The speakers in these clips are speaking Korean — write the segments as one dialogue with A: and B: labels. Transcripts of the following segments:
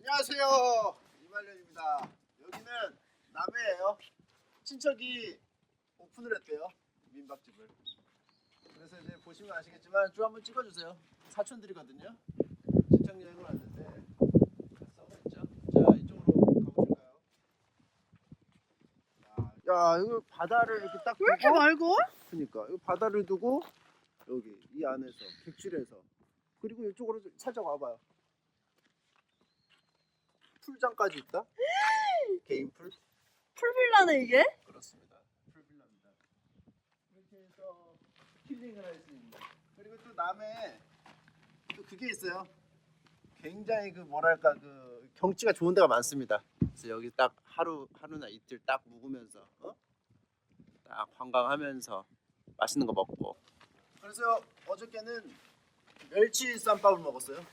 A: 안녕하세요, 이말년입니다. 여기는 남해예요. 친척이 오픈을 했대요, 민박집을. 그래서 이제 보시면 아시겠지만 쭉 한번 찍어주세요. 사촌들이거든요. 친척 여행을 왔는데 써있죠. 자, 이쪽으로 가보실까요? 야, 이거 바다를 이렇게 딱
B: 왜 이렇게
A: 두고,
B: 맑어?
A: 그러니까 이 바다를 두고 여기 이 안에서 객실에서, 그리고 이쪽으로 살짝 와봐요. 풀장까지 있다. 개인 풀.
B: 풀빌라네 이게?
A: 그렇습니다. 풀빌라입니다. 이렇게 해서 힐링을 할 수 있는. 그리고 또 남해 또 그게 있어요. 굉장히 그 뭐랄까 그 경치가 좋은 데가 많습니다. 그래서 여기 딱 하루나 이틀 딱 묵으면서 딱 관광하면서 맛있는 거 먹고. 그래서 어저께는 멸치 쌈밥을 먹었어요.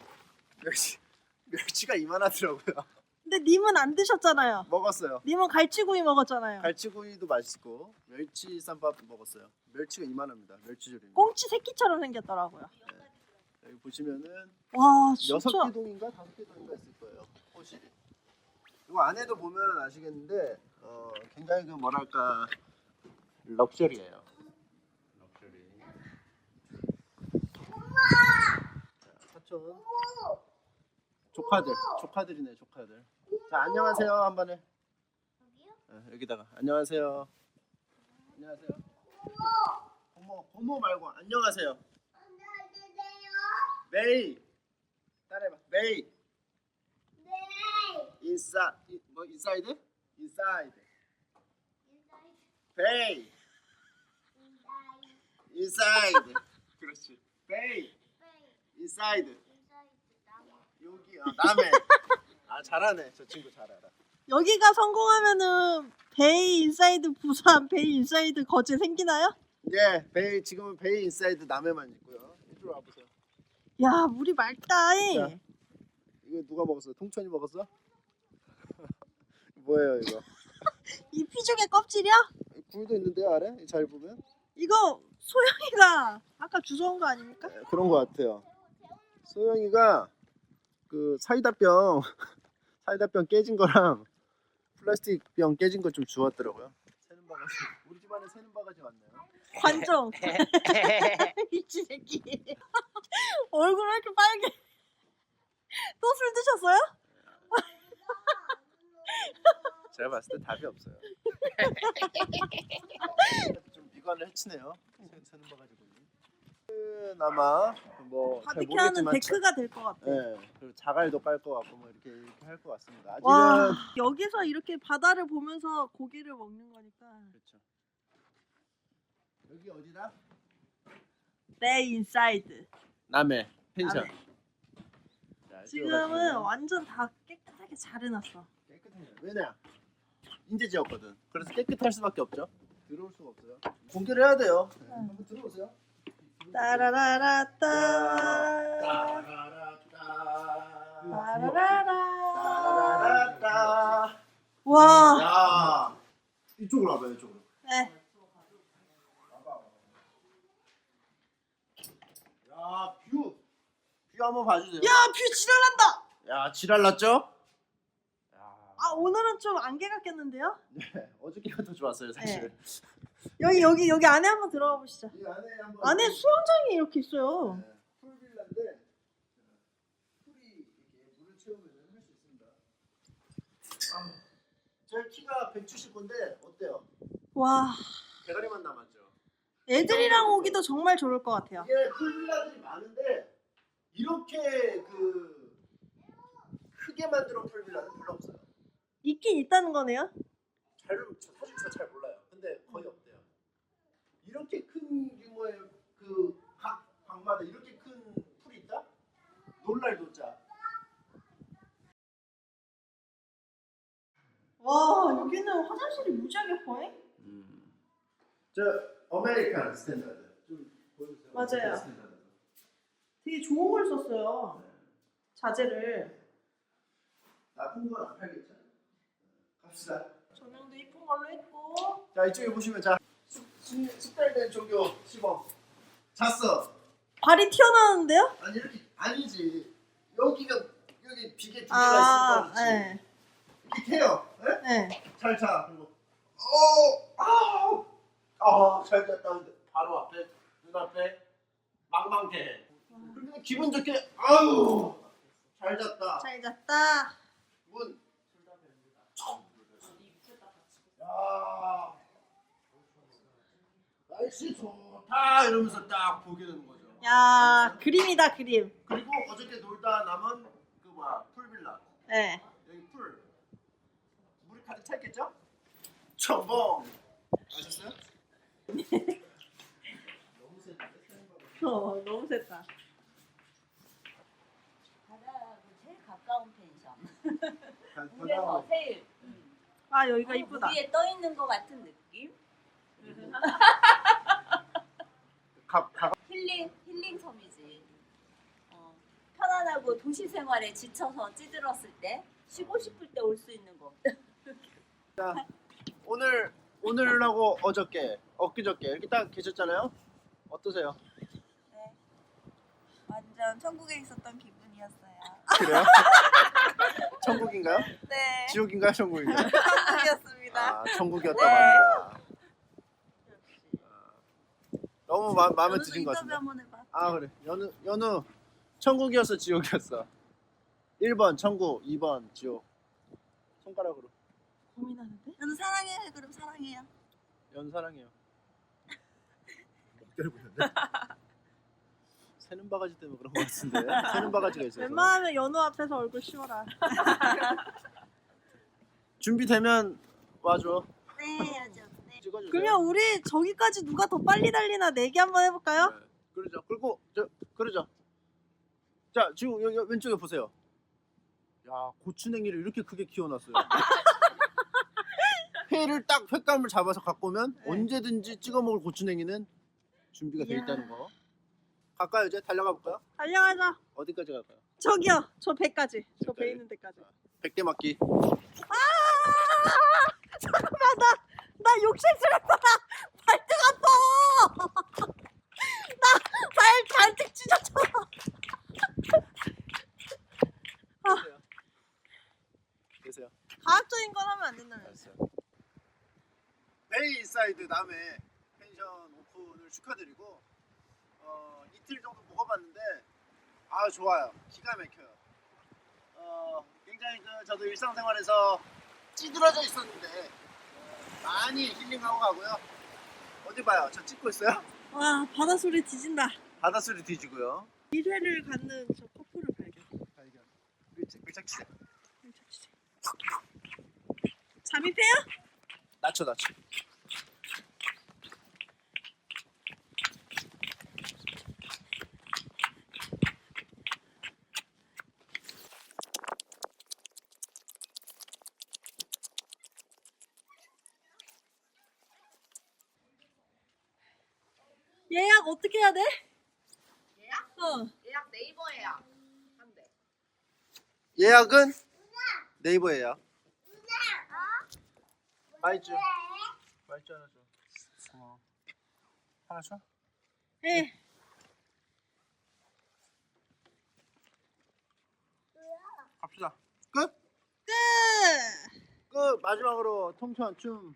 A: 멸치가 이만하더라고요.
B: 근데 님은 안 드셨잖아요.
A: 먹었어요.
B: 님은 갈치구이 먹었잖아요.
A: 갈치구이도 맛있고 멸치 쌈밥 먹었어요. 멸치가 이만합니다. 멸치조림.
B: 꽁치 새끼처럼 생겼더라고요.
A: 여기 보시면은
B: 와 진짜.
A: 6개동인가 5개동인가 있을 거예요. 호실이. 이거 안에도 보면 아시겠는데 굉장히 그 뭐랄까 럭셔리예요. 럭셔리. 자, 사촌. 조카들이네, 조카들. 자, 안녕하세요 한번 해. 여기다가 안녕하세요. 안녕하세요. 고모 말고 안녕하세요. 메이. 따라해봐. 메이. 인사이드? 베이. 인사이드. 그렇지. 베이. 인사이드. 여기 남해. 잘하네. 저 친구 잘 알아.
B: 여기가 성공하면은 베이 인사이드 부산, 베이 인사이드 거제 생기나요?
A: 예, 베이 지금은 베이 인사이드 남해만 있고요. 이쪽으로 와보세요.
B: 야 물이 맑다.
A: 자, 이거 누가 먹었어? 통천이 먹었어? 뭐예요 이거?
B: 이 피죽의 껍질이야?
A: 굴도 있는데요 아래? 잘 보면?
B: 이거 소영이가 아까 주워온 거 아닙니까?
A: 네, 그런 거 같아요. 소영이가 그 사이다병 깨진 거랑 플라스틱 병 깨진 거 좀 주웠더라고요. 새는 바가지. 우리 집안에 새는 바가지 왔네요.
B: 관종. 미친 새끼. 얼굴 왜 이렇게 빨개? 또 술 드셨어요?
A: 제가 봤을 때 답이 없어요. 좀 미관을 해치네요. 새는 바가지 보니. 그나마 뭐 잘
B: 바비큐하는
A: 모르겠지만
B: 데크가 될 것 같아.
A: 네, 그리고 자갈도 깔 것 같고 뭐 이렇게 할 것 같습니다. 아직은
B: 와 여기서 이렇게 바다를 보면서 고기를 먹는 거니까.
A: 그렇죠. 여기 어디다?
B: 네 인사이드.
A: 남해 펜션.
B: 남해.
A: 자,
B: 지금은 완전 다 깨끗하게 잘 해놨어.
A: 깨끗해요. 왜냐? 인제 지었거든. 그래서 깨끗할 수밖에 없죠. 들어올 수가 없어요. 공개를 해야 돼요. 네, 한번 들어오세요.
B: 따라라라따. 따라라라.
A: 따라라따.
B: 와.
A: 야, 이쪽으로 와봐요. 이쪽으로.
B: 네.
A: 야, 뷰 한번 봐주세요.
B: 야 뷰 지랄난다.
A: 야, 지랄 났죠?
B: 아 오늘은 좀 안개가 꼈는데요?
A: 네, 어저께가 더 좋았어요, 사실.
B: 여기 안에 한번 들어가 보시죠.
A: 이 안에 한번
B: 안에 수영장이 이렇게 있어요.
A: 네, 풀빌라인데 풀이 이렇게 물을 채우면 할 수 있습니다. 제 키가 170인데 어때요?
B: 와.
A: 대가리만 남았죠.
B: 애들이랑 오기도 정말 좋을 것 같아요.
A: 이게 풀빌라들이 많은데 이렇게 그 크게 만들어 풀빌라는 별로 없어요.
B: 있긴 있다는 거네요.
A: 사실 저 잘 몰라요. 근데 거의 없대요. 이렇게 큰 규모의 그 각 방마다 이렇게 큰 풀이 있다? 놀랄 노자.
B: 와 여기는 화장실이 무지하게 커해?
A: 저 아메리칸 스탠다드 좀 보여주세요.
B: 맞아요.
A: 스탠다드.
B: 되게 좋은 걸 썼어요. 자재를.
A: 나쁜 건 안 팔겠죠. 갑시다.
B: 조명도 이쁜 걸로 했고.
A: 자 이쪽에 보시면 자 숙달된 종교 시범 잤어.
B: 발이 튀어나오는데요?
A: 아니 이렇게 아니지. 여기가 여기 비계 두 개가 있으니까 그렇지.
B: 네.
A: 이렇게 해요. 네?
B: 네.
A: 잘 자. 그리고 잘 잤다. 근데 바로 앞에 눈앞에 망망대. 그리고 기분 좋게 아유 잘 잤다.
B: 잘 잤다.
A: 문. 야 날씨 좋다 이러면서 딱 보게 되는 거죠.
B: 야, 그림이다, 그림.
A: 그리고 어저께 놀다 남은 그 뭐야 풀빌라.
B: 네.
A: 여기 풀 물이 가득 차 있겠죠? 첨벙 아셨어요? 너무 세다.
B: 너무 셌다.
C: 바다하고 제일 가까운 펜션. 물에서 제일
B: 아, 여기가 이쁘다.
C: 위에 떠 있는 것 같은 느낌. 힐링 섬이지. 편안하고 도시 생활에 지쳐서 찌들었을 때 쉬고 싶을 때 올 수 있는 곳.
A: 자, 오늘하고 어저께 엊그저께 이렇게 딱 계셨잖아요. 어떠세요?
C: 네. 완전 천국에 있었던 기분이었어요.
A: 그래요? 천국인가요?
C: 네.
A: 지옥인가요? 천국인가요?
C: 천국이었습니다.
A: 아, 천국이었다고 합니다. 너무 마음에 드신 것 같은데.
C: 한번 해봐.
A: 아 그래. 연우 천국이었어 지옥이었어. 1번 천국, 2번 지옥. 손가락으로.
B: 고민하는데?
C: 저는 사랑해요. 그럼 사랑해요.
A: 연우 사랑해요. 목대를 부렸네. 새는 바가지 때문에 그런 것 같은데. 새는 바가지가 있어서.
B: 웬만하면 연우 앞에서 얼굴 씌워라.
A: 준비되면 와줘.
C: 네, 아주. 네.
A: 찍어주세요.
B: 그러면 우리 저기까지 누가 더 빨리 달리나 내기 한번 해볼까요?
A: 네, 그러죠. 그리고 그러죠. 자 지금 여기 왼쪽에 보세요. 야 고추냉이를 이렇게 크게 키워놨어요. 회를 딱 횟감을 잡아서 갖고 오면
B: 네.
A: 언제든지 찍어 먹을 고추냉이는 준비가 돼
B: 이야.
A: 있다는 거. 갈까요 이제 달려가 볼까요?
B: 달려가자.
A: 어디까지 갈까요?
B: 저기요. 저 배까지. 저 배
A: 배까지?
B: 있는 데까지.
A: 100대 맞기.
B: 잠깐만, 나 욕심스럽다. 발등 아파. 나 발등 찢어져.
A: 계세요.
B: 과학적인 건 하면 안 된다는
A: 알았어요. 베이사이드 남해 펜션 오픈을 축하드리고 이틀 정도 먹어봤는데 아 좋아요. 기가 막혀요. 굉장히 저도 일상생활에서 찌들어져 있었는데 많이 힐링하고 가고요. 어디 봐요? 저 찍고 있어요?
B: 와, 바다 소리 뒤진다.
A: 바닷소리 뒤지고요.
B: 1회를 갖는 저 커플을 발견.
A: 발견. 밀착 치세요.
B: 잠입해요?
A: 낮춰.
B: 예약 어떻게 해야 돼?
C: 예약? 예약 네이버 예약. 한대.
A: 예약은 네이버 예약. 맛있죠? 맛있죠 하나 줘. 고마워. 하나 줘?
B: 예.
A: 갑시다. 끝?
B: 끝.
A: 끝! 마지막으로 통쾌한 춤